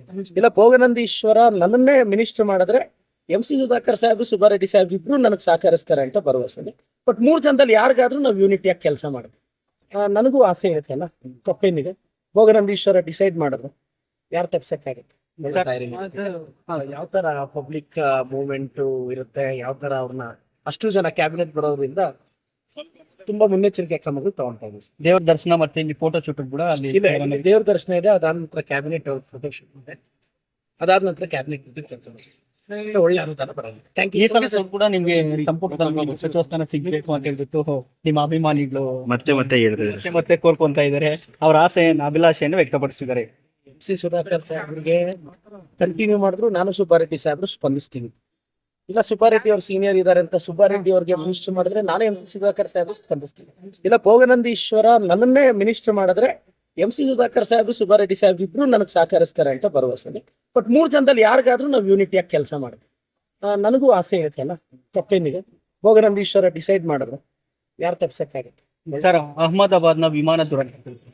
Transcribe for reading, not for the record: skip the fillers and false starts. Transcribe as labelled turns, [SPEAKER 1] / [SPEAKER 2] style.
[SPEAKER 1] ಇಲ್ಲ ಭೋಗನಂದೀಶ್ವರ ನನ್ನನ್ನೇ ಮಿನಿಸ್ಟರ್ ಮಾಡಿದ್ರೆ MC ಸುಧಾಕರ್ ಸಾಹೇಬ್ ಸುಬ್ಬಾರೆಡ್ಡಿ ಸಾಹೇಬ್ ಇಬ್ರು ನನಗೆ ಸಹಕರಿಸ್ತಾರೆ ಅಂತ ಭರವಸೆ. ಬಟ್ 3 ಜನದಲ್ಲಿ ಯಾರಿಗಾದ್ರೂ ನಾವು ಯೂನಿಟಿಯಾಗಿ ಕೆಲಸ ಮಾಡಿದ್ವಿ. ನನಗೂ ಆಸೆ ಇರುತ್ತಲ್ಲ, ತಪ್ಪೇನಿದೆ. ಭೋಗನಂದೀಶ್ವರ ಡಿಸೈಡ್ ಮಾಡಿದ್ರು, ಯಾರು ತಪ್ಸಕ್ಕಾಗುತ್ತೆ? ಯಾವ ತರ ಪಬ್ಲಿಕ್ ಮೂವ್ಮೆಂಟ್ ಇರುತ್ತೆ, ಯಾವ ತರ ಅವ್ರನ್ನ ಅಷ್ಟು ಜನ ಕ್ಯಾಬಿನೆಟ್ ಬರೋದ್ರಿಂದ ತುಂಬಾ ಮುನ್ನೆಚ್ಚರಿಕೆ ಕ್ರಮಗಳು ತಗೊಂತಾ ಇದ್ದೀವಿ.
[SPEAKER 2] ದೇವ್ರ ದರ್ಶನ ಮತ್ತೆ ಇಲ್ಲಿ ಫೋಟೋ ಶೂಟ್ ಕೂಡ ಅಲ್ಲಿ
[SPEAKER 1] ದೇವ್ರ ದರ್ಶನ ಇದೆ, ಅದಾದ ನಂತರ ಕ್ಯಾಬಿನೆಟ್ ಅವ್ರ ಫೋಟೋ ಶೂಟ್ ಇದೆ, ಅದಾದ ನಂತರ ಕ್ಯಾಬಿನೆಟ್ ಒಳ್ಳೆ ಅನುದಾನ ಬರೋದು. ಥ್ಯಾಂಕ್
[SPEAKER 2] ಈ
[SPEAKER 1] ಯು.
[SPEAKER 2] ಸಲ ಕೂಡ ನಿಮ್ಗೆ ಸಂಪುಟದಲ್ಲಿ ಸಚಿವ ಸ್ಥಾನ ಸಿಗ್ಬೇಕು ಅಂತ ಹೇಳ್ಬಿಟ್ಟು ನಿಮ್ಮ ಅಭಿಮಾನಿಗಳು
[SPEAKER 3] ಮತ್ತೆ ಹೇಳ್ತಿದ್ದಾರೆ.
[SPEAKER 2] ಮತ್ತೆ ಕೋರ್ಕೊಂತ ಇದ್ದಾರೆ, ಅವ್ರ ಆಸೆಯನ್ನು ಅಭಿಲಾಷೆಯನ್ನು ವ್ಯಕ್ತಪಡಿಸಿದ್ದಾರೆ.
[SPEAKER 1] MC ಸುಧಾಕರ್ ಸಾಹೇಬ್ರಿಗೆ ಕಂಟಿನ್ಯೂ ಮಾಡಿದ್ರು, ನಾನು ಸುಬ್ಬಾರೆಡ್ಡಿ ಸಾಹೇಬ್ರು ಸ್ಪಂದಿಸ್ತೀನಿ. ಇಲ್ಲ ಸುಬ್ಬಾರೆಡ್ಡಿ ಅವ್ರು ಸೀನಿಯರ್ ಇದಾರೆ ಅಂತ ಸುಬ್ಬಾರೆಡ್ಡಿ ಅವ್ರಿಗೆ ಮಿನಿಸ್ಟರ್ ಮಾಡಿದ್ರೆ ನಾನೇ MC ಸುಧಾಕರ್ ಸಾಹೇಬ್ರು ಸ್ಪಂದಿಸ್ತೀನಿ. ಇಲ್ಲ ಭೋಗನಂದೀಶ್ವರ ನನ್ನನ್ನೇ ಮಿನಿಸ್ಟರ್ ಮಾಡಿದ್ರೆ MC ಸುಧಾಕರ್ ಸಾಹೇಬ್ ಸುಬ್ಬಾರೆಡ್ಡಿ ಸಾಹೇಬ್ ಇಬ್ರು ನನಗೆ ಸಹಕರಿಸ್ತಾರೆ ಅಂತ ಭರವಸೆ. ಬಟ್ 3 ಜನದಲ್ಲಿ ಯಾರಿಗಾದ್ರೂ ನಾವು ಯೂನಿಟಿಯಾಗಿ ಕೆಲಸ ಮಾಡಿದ್ವಿ. ನನಗೂ ಆಸೆ ಇರುತ್ತಲ್ಲ, ತಪ್ಪೇನಿದೆ. ಭೋಗನಂದೀಶ್ವರ ಡಿಸೈಡ್ ಮಾಡಿದ್ರು, ಯಾರು ತಪ್ಸಕ್ಕಾಗುತ್ತೆ?
[SPEAKER 2] ಸರ್, ಅಹಮದಾಬಾದ್ನ ವಿಮಾನ ದುರಂತ